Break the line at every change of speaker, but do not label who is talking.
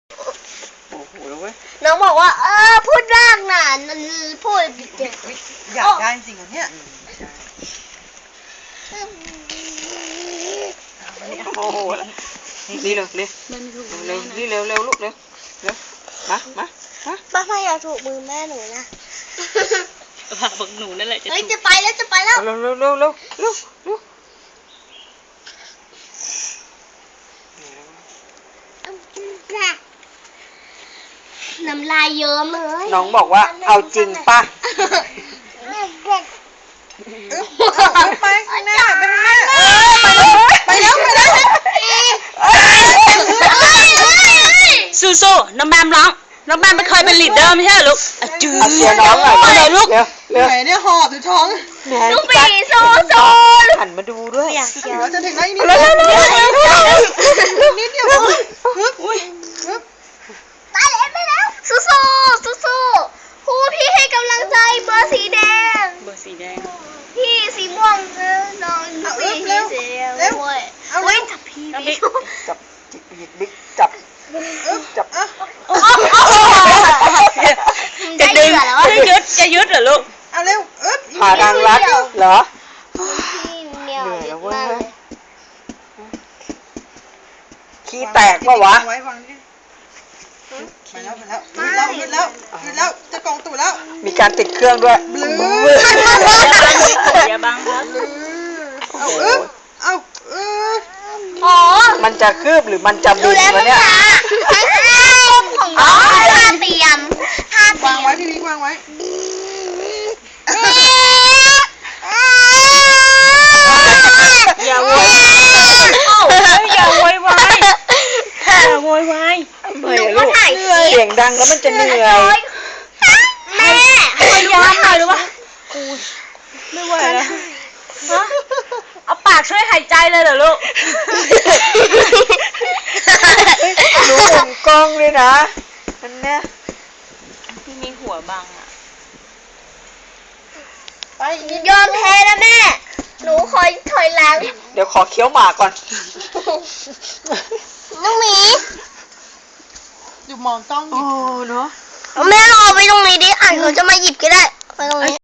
โอ้โหแล้วเว้ย
น้องบอกว่าพูดร่างน่ะพูดเด็ก
อยากได้จริงเหรอเนี่ยโอ้โหนี่เร็วเร็วเร็วนี่เร็วเร็วลูกเร็วเร็วมา
ป้าไม่อยากถูกมือแม่หนูนะ
ผักบักหนูนั่นแหละ
เฮ้ยจะไปแล้วเร็วน้ำลายเยิ้มเลย
น้องบอกว่าเอาจริงป่ะไปแม่ไปแล้ว
สู้น้องแบมร้องน้องแบมไม่เคยเป็นลีดเดอร์ไม่ใช่หรอลูกจืด
เสียน้องหน่อย
เลยลูก
เหนื่อยเนี่ยหอบอยู่ท้อง
ลูกปีสู้
หันมาดูด้วยเราจะถึงไหนนี่นิดเดียว
ไปแล้วสู้ครูพี่ให้กำลังใจเบอร์สีแดงพี่สีม่วงน้องพี่สีแดงด้วยเฮ้ยจับพี่
จับบิ๊กจับ
จะยึดเหรอลูก
เอาเร็วผ่าทางลัดเหรอ
เหนื่อยแล้วเว้ย
ขี้แตกปะวะไปแล้วจะกองตู่แล้วมีการติดเครื่องด้วย
อย่าบังครับ
มันจะคืบหรือมันจะบินวะเนี่ย
ท่าเตรียมวางไว้พี่บิ๊กวางไว้
อย่าโวยวาย
หนูก็ถ่าย
เสียงดังแล้วมันจะเหนื่อย
แม่
พยายามหน่อยหรือวะไม่ไหวแล้วเอาปากช่วยหายใจเลยเหรอลูก
หนูผมกล้องเลยนะนั่นเนี่ย
พี่มีหัวบังอ่ะ
ไปยอมแพ้นะแม่หนูคอยถอยหลัง
เดี๋ยวขอเคี้ยวหมากก่อน
น้องหมี
อยู่มองกล้องโอ้เนาะ
แม่รอไปตรงนี้ดิอ่านเขาจะมาหยิบก็ได้ไปตรงนี้